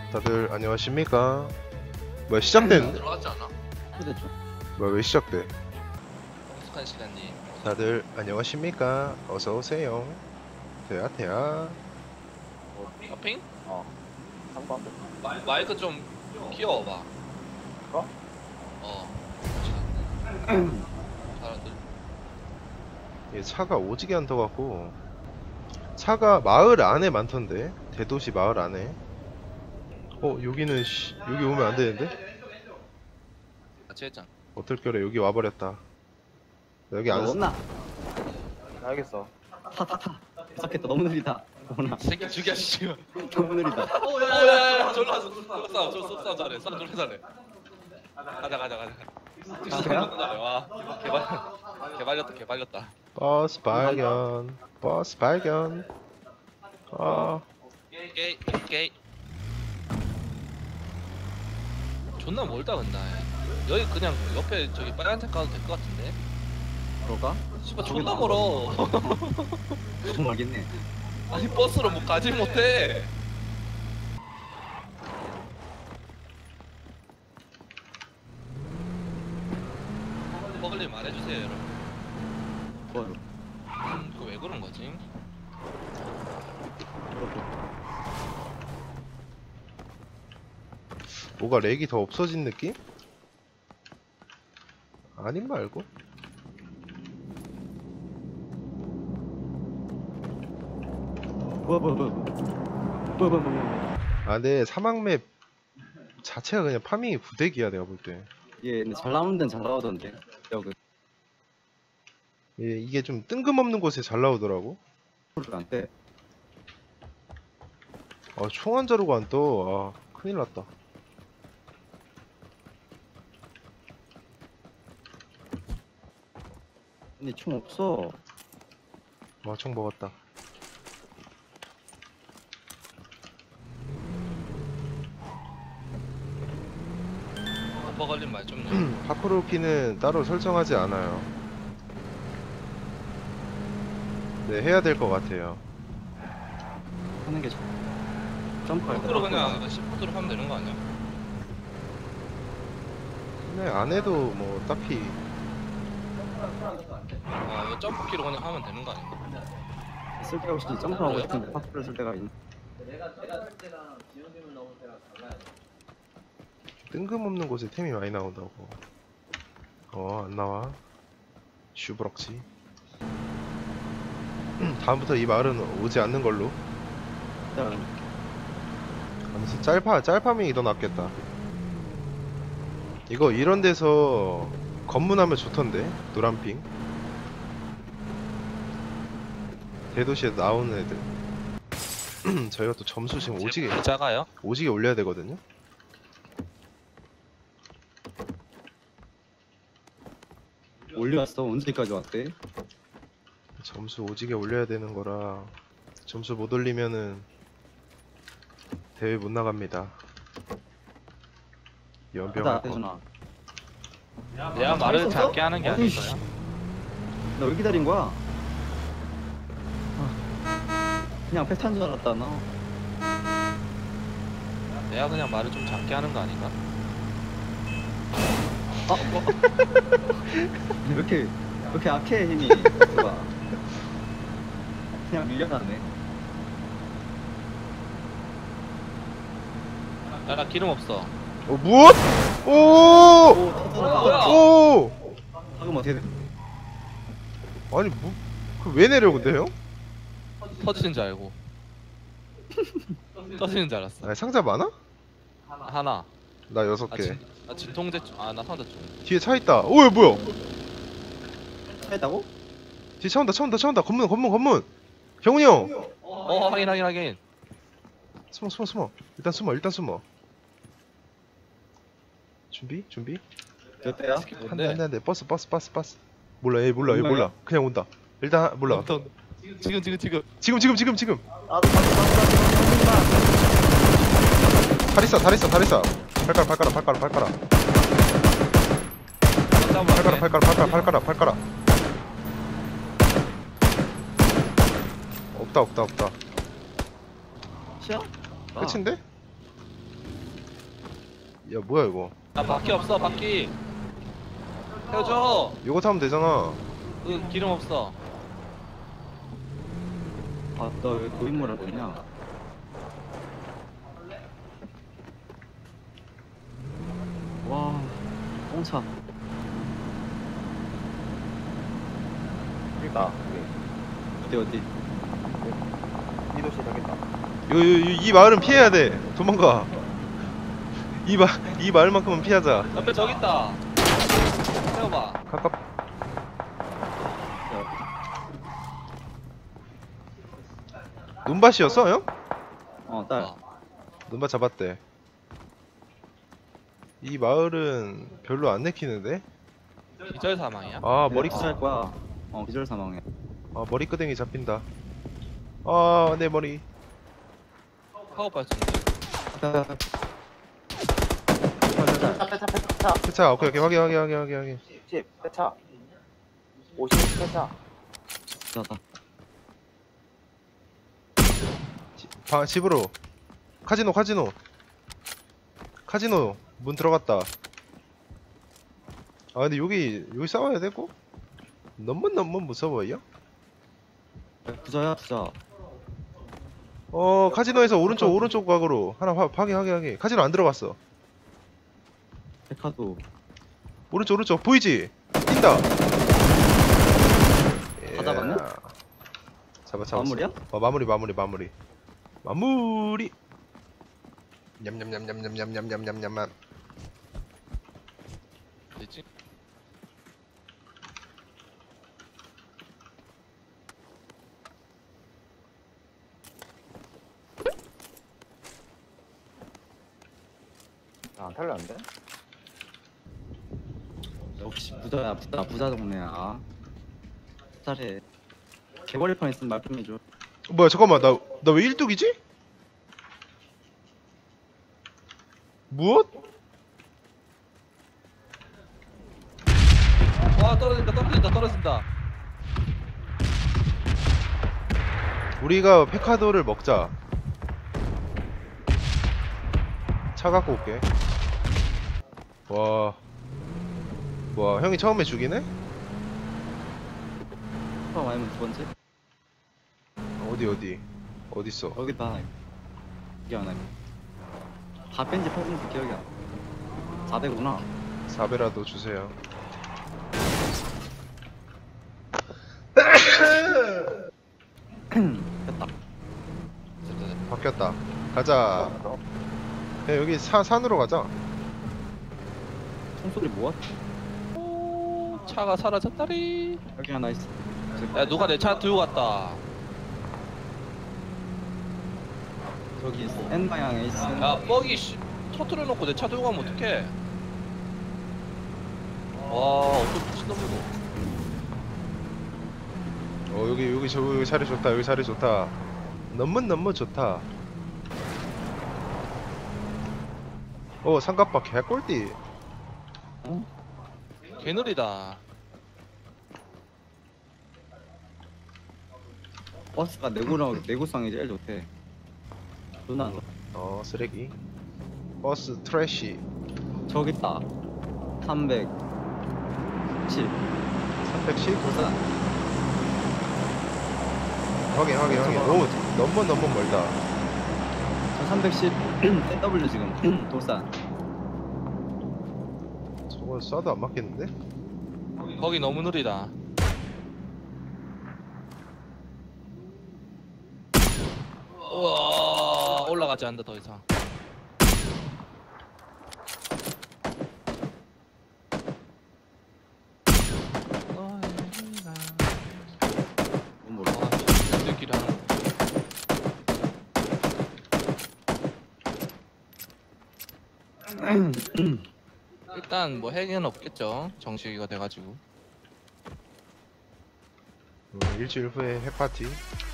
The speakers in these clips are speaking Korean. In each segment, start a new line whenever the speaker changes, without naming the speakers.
다들 안녕하십니까? 뭐야 시작된?
들어갔지 않아?
됐죠.
뭐야 왜 시작돼?
익숙한 시간님.
다들 안녕하십니까? 어서 오세요. 대야.
쇼핑?
상관.
마이크 좀 키워봐.
이거?
사람들.
얘 차가 오지게 안 터갖고 차가 마을 안에 많던데 대도시 마을 안에. 여기는 여기 오면 안 되는데?
같이 했잖아.
어떨결에 여기 와버렸다. 나 여기 안
없나? 알겠어. 타타타. 섞겠다. 너무 느리다. 어머나.
새끼 죽여 지금.
너무 느리다.
오야 졸라 쏙싸움 쏙싸움 잘해. 싸움 졸라 잘해. 가자.
가세요?
와 개발렸다.
버스 발견.
게이. 존나 멀다 근데. 여기 그냥 옆에 저기 빨간색 가도 될 것 같은데.
그럴까?
씨발 존나 멀어.
너무 알겠네.
아니 버스로 뭐 가지 못해. 먹을일 말해주세요 여러분.
좋아요.
그거 왜 그런 거지?
뭐가 렉이 더 없어진 느낌? 아닌 말고.
뭐야.
근데 사막맵 자체가 그냥 파밍이 구대기야 내가 볼 때.
예, 근데 잘 나오는 데는 잘 나오던데. 여기
이게 좀 뜬금없는 곳에 잘 나오더라고.
소리가 안 돼.
총 한 자루가 안 떠. 큰일 났다.
근데 총 없어.
총 먹었다.
먹을일 말좀
파크로키는 따로 설정하지 않아요. 네, 해야 될 것 같아요.
하는 게 점프할 때.
거꾸로 그냥 시프트로 하면 되는 거 아니야?
근데 안 해도 뭐 딱히
이거 점프키로 그냥 하면 되는 거 아닌가?
쓸 데가 없이 점프하고 싶은데 파크를 쓸 데가 있네.
뜬금없는 곳에 템이 많이 나온다고. 안 나와. 슈브럭지. 다음부터 이 마을은 오지 않는 걸로. 아무튼 짤파밍이 더 낫겠다. 이거 이런 데서 검문하면 좋던데. 노란핑 대도시에 나오는 애들. 저희가 또 점수 지금 오지게
작아요?
올려야 되거든요.
올려왔어. 언제까지 왔대?
점수 오지게 올려야 되는 거라 점수 못 올리면은 대회 못 나갑니다. 연병할 거.
대준아.
내가 말을
있었어?
작게 하는 게
아니, 씨.
아니고요.
나 왜 기다린 거야? 그냥 패스한 줄 알았다 너.
내가 그냥 말을 좀 작게 하는 거 아닌가?
왜 이렇게 악해 힘이. 좋아. 그냥 밀려나네.
나 기름 없어.
무엇? 오!
터져라.
오!
방금 어떻게 돼?
아니 왜 내려 근데 형?
터지는 줄 알고. 터지는 줄 알았어.
상자 많아?
하나.
나 6개.
나 진통제 나 상자 좀.
뒤에 차 있다. 오, 뭐야?
했다고?
뒤에 차 온다. 검문. 경훈이 형.
확인.
숨어. 일단 숨어. 준비.
몇 대야?
한 대. 버스. 몰라. 얘 몰라. 그냥 온다. 일단 몰라.
지금.
지금.
나도
다리싸. 발가락. 없다.
시야?
끝인데? 야 뭐야 이거?
아 바퀴 없어 바퀴. 태워줘.
이거 타면 되잖아.
그 기름 없어.
아, 너 왜 고인물을 보냐? 와, 똥차.
그니까
어디?
이 도시 되겠다.
이 마을은 피해야 돼. 도망가. 이 마을만큼은 피하자.
옆에 저기 있다. 태워봐.
가깝. 눈밭이었어 형?
딸.
어.
눈밭 잡았대. 이 마을은 별로 안 내키는데?
기절 사망이야?
아 머리
할 거야. 기절 사망해.
아 머리끄댕이 잡힌다. 아 내 머리.
파워 발전기.
빼차.
차 오케이 확인.
10 빼차. 50 빼차.
나다.
집으로. 카지노 문 들어갔다. 아 근데 여기 싸워야 되고? 너무 무서워요?
부자야.
카지노에서 오른쪽 각으로 하나 확인. 카지노 안 들어갔어.
백화도.
오른쪽 보이지? 뛴다.
다 잡았네?
잡았어.
마무리야?
마무리. 냠냠냠냠냠냠냠냠냠냠.
되지?
안 탈렸는데?
역시 부자야. 부자 동네야. 잘해. 개벌판 있으면 말 좀 해줘.
뭐야 잠깐만 나 왜 일뚝이지? 무엇?
와 떨어진다.
우리가 페카도를 먹자. 차 갖고 올게. 와 형이 처음에 죽이네?
처음 아니면 두 번째?
어딨어?
여기다. 기억 안 나. 다 뺀지 8분째 기억이 안 나. 400구나.
4배라도 주세요.
됐다.
바뀌었다. 가자. 야, 여기 산으로 가자.
총소리 뭐야?
차가 사라졌다리.
여기 하나 있어.
야 누가 내 차 들고 갔다.
저기 있어. N 방향에 있어.
야 뻑이 터트려 놓고 내 차 들고 가면 어떡해. 와 어떤 미친놈이고.
여기 자리 좋다. 너무 좋다. 삼각바 개꿀띠.
개느리다.
버스가 내구성이 제일 좋대. 누나
쓰레기. 버스 트래쉬.
저기 있다. 310.
310?
부산.
확인. 오, 너무 멀다.
저 310. NW 지금 돌산.
저거 쏴도 안 맞겠는데?
거기 너무 느리다. 우와 올라가지 않는다 더 이상.
뭔 몰라.
들끼리 하는 거. 일단 뭐 핵은 없겠죠. 정식이가 돼가지고.
일주일 후에 핵파티.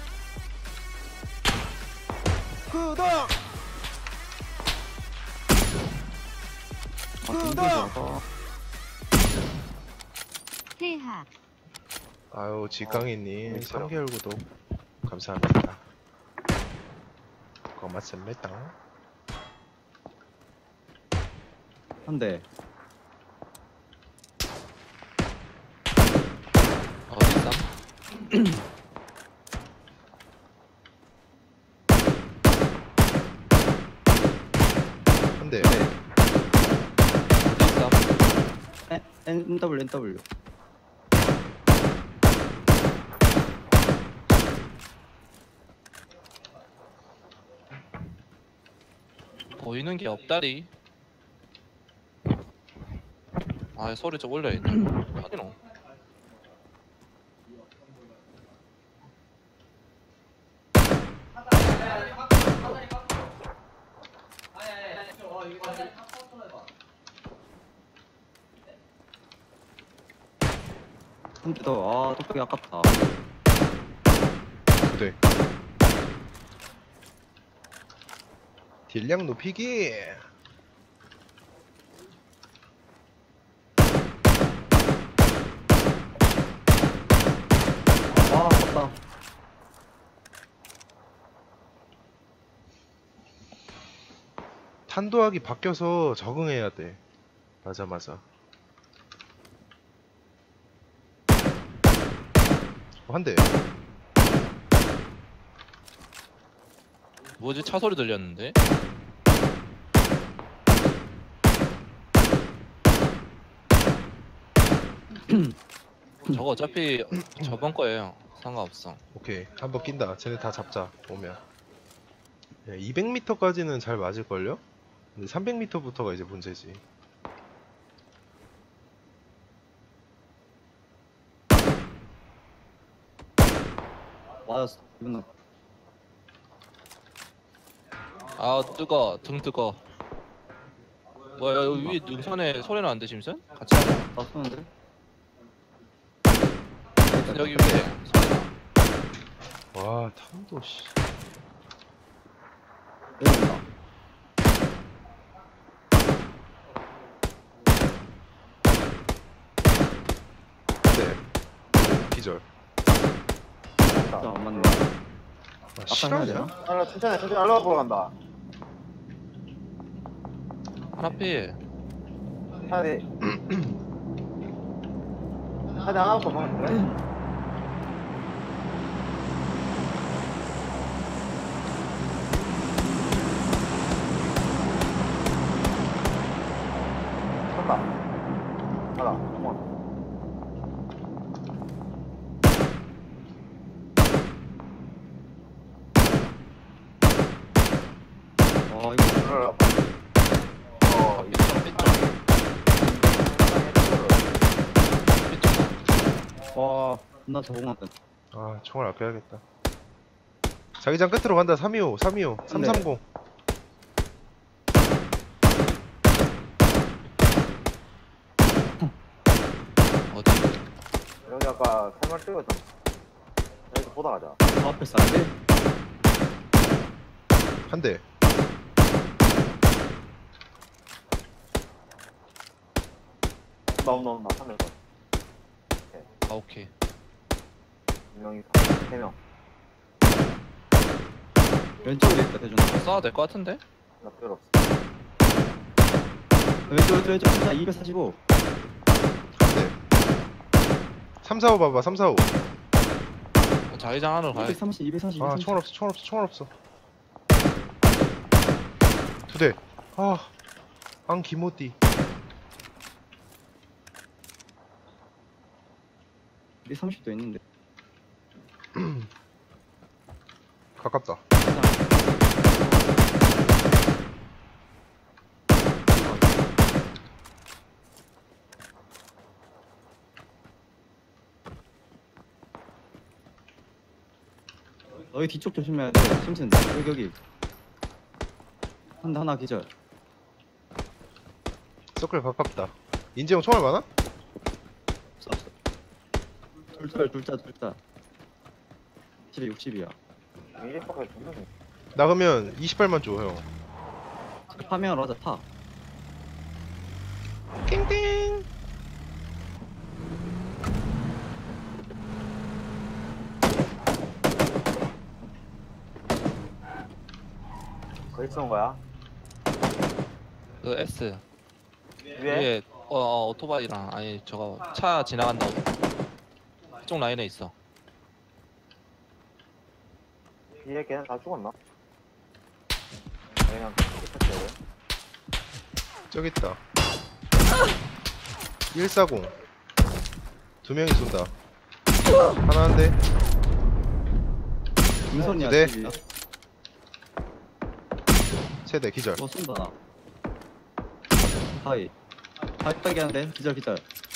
퇴학.
아유 지강이님 3개월 구독 감사합니다. 고맙습니다.
한 대.
어디 있어?
한 대.
어디 있어?
NW.
보이는 게 없다리. 아 소리 좀 올려야겠다. 어디노?
한 대 더. 아, 똑똑이 아깝다.
두 대. 딜량 높이기.
아, 아깝다.
탄도하기 바뀌어서 적응해야 돼. 맞아. 한 대.
뭐지 차 소리 들렸는데? 저거 어차피 저번 거예요. 상관없어.
오케이. 한번 낀다. 쟤네 다 잡자. 오면. 200m까지는 잘 맞을걸요? 근데 300m부터가 이제 문제지.
맞았어. 기분 나.
아 뜨거 등 뜨거. 뭐야 여기 위 능선에 소리는 안 되심슨? 같이 하자.
나 쏘는데?
여기 위에 소리나.
와, 탄도 씨.
내려온다.
네. 기절.
진짜 안 맞네.
아, 실화냐?
아, 천천히 알로 보러 간다.
하나 필.
차라리. 차라리 하나 더 먹으면 돼? 쳤다. 가라. 어.
아, 이거
들어라. 어,
삐쩍 삐쩍 삐쩍.
와, 나 적응한다.
아, 총알 아껴야겠다. 자기장 끝으로 간다. 325, 330.
어디?
여기 아까 세말 찍었잖아. 여기서 보다 가자.
저 앞에 싸는데?
한 대.
나온다. 3명.
아 오케이.
2명이 3명.
왼쪽에 있다, 대준아.
쏴도 될 것 같은데?
나 필요 없어.
왼쪽. 진짜 245.
한 대. 345 봐봐. 345.
자기장 안으로 가야.
230.
아, 총알 없어. 두 대. 아, 안 기모띠.
230도 있는데.
가깝다.
너희 뒤쪽 조심해야 돼. 심슨, 여기. 하나 기절.
서클 가깝다. 인재형 총알 많아?
쐈어. 둘다. 60이야.
이래서까지 존나 돼.
나 그러면 28만 줘, 형.
파밍하러 하자, 타.
띵띵.
거기 쏜 거야?
그 S.
위에?
위에 오토바이랑 아니 저거 차 지나간다. 쪽 라인에 있어.
뒤에 걔는 다 죽었나? 그냥 끝났어요.
저기 있다. 140. 두 명이 쏜다. 하나 한 대.
인선이야.
네.
집이.
세대 기절.
쏜다. 하이. 하이 따기 하는데 기절 기절.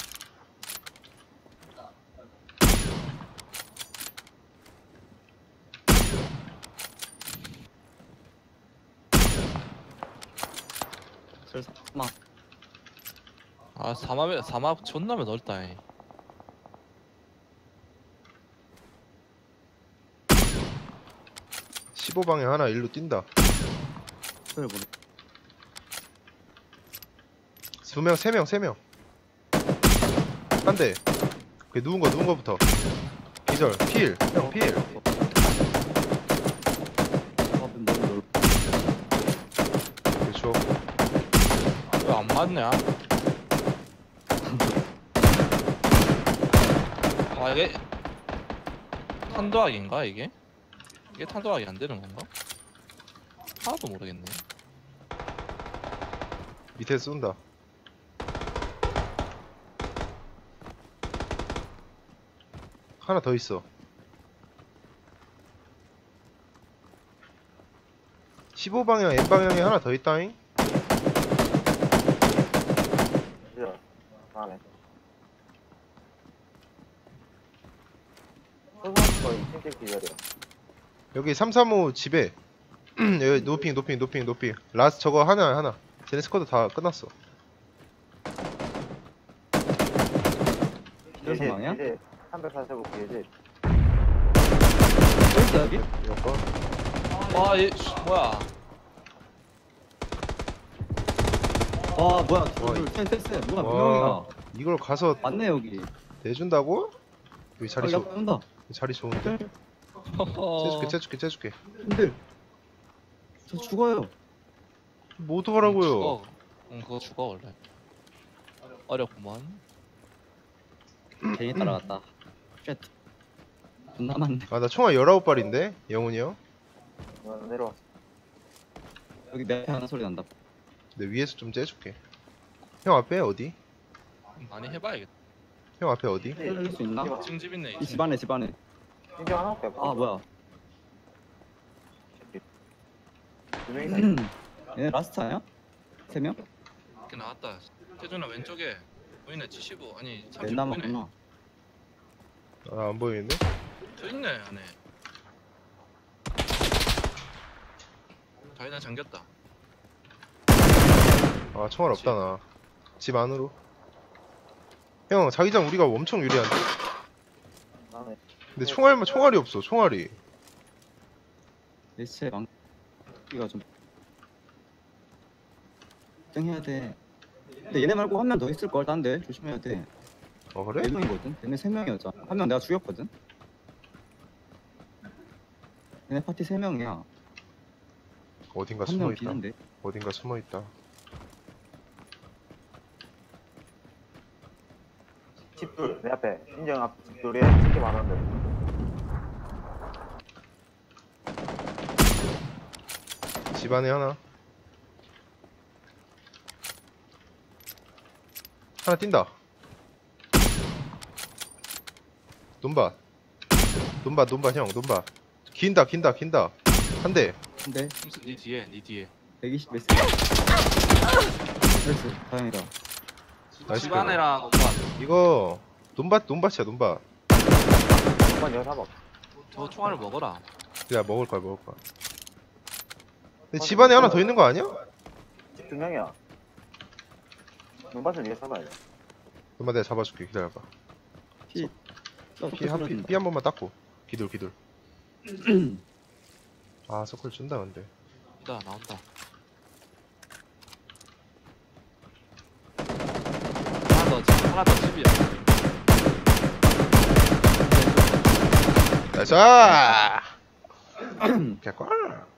설마.
아 사막 존나 넓다. 이.
이 15방향 하나 일로 뛴다.
소리 보내.
두 명, 세 명, 세 명. 한 대. 그 누운 거부터. 기절. 필. 형 필.
너무 넓.
그렇죠.
왜 안 맞냐? 아 이게 탄도학인가 이게? 이게 탄도학이 안 되는 건가? 하나도 모르겠네.
밑에 쏜다. 하나 더 있어. 15방향, N방향에 하나 더 있다잉?
기절. 안에. 소소한 거 2층 기절이야.
여기 335 집에. 여기 노핑. 라스 저거 하나. 쟤네 스쿼드 다 끝났어.
기절 방향?
이제 345 기지.
어딨어 여기?
이거
와얘 뭐야?
와 뭐야?
와,
둘셋셋 누가 몇
와.
명이야?
이걸 가서
맞네 여기.
내준다고? 여기 자리
야
좋
온다.
자리 좋은데. 째줄게.
근데 저 죽어요.
뭐 어떡하라고요?
죽어. 응 그거 죽어 원래. 어렵구만.
괜히 따라갔다. 쉣. 존나 많네.
아 나 총알 19발인데 영훈이 형.
내려와.
여기 내 앞에 하는 소리 난다.
내 위에서 좀 째줄게. 형 앞에 어디?
많이 해봐야겠다.
형 앞에 어디?
살릴 수 있나?
지금 집 있네.
이 집 안에 집 안에.
인정 하나밖에 없어.
아 뭐야?
두 명이다.
얘네 라스트 아니야? 세 명?
이렇게 나왔다. 태준아 왼쪽에 보이네 75 아니 30
넷
보이네.
남았구나.
아 안 보이는데?
저 있네 안에. 다이나 잠겼다.
아 총알 없다 나. 집 안으로. 형 자기장 우리가 엄청 유리한데?
안에.
근데 총알이 없어 총알이.
레시체 망기가 좀 걱정해야 돼. 근데 얘네 말고 한 명 더 있을 걸. 딴데 조심해야 돼.
어 그래?
네 명이거든. 얘네 세 명이었잖아. 한 명 내가 죽였거든. 얘네 파티 세 명이야.
어딘가
한 명
숨어있다.
비는데.
어딘가 숨어있다.
집둘 내 앞에. 인정 앞 집둘에 집게 많았는데.
집 안에 하나. 하나 뛴다. 논밭 형 논밭. 긴다. 한 대.
근데
심슨 네 뒤에.
120 메스. 나이스. 다행이다.
나이스.
집안에랑 오빠
이거 논밭이야 논밭.
한번 여기 사봐.
저 총알을 먹어라.
야 먹을 거야. 근데 집 안에 하나 더 있는 거 아니야?
집 두 명이야. 눈밭을 위에 사봐야 돼.
논밭 내가 잡아줄게. 기다려봐.
피.
피 한 번만 닦고. 기둘. 아 서클 준다 근데.
나온다. 하나 더 집이야.
나이스. 개꿀.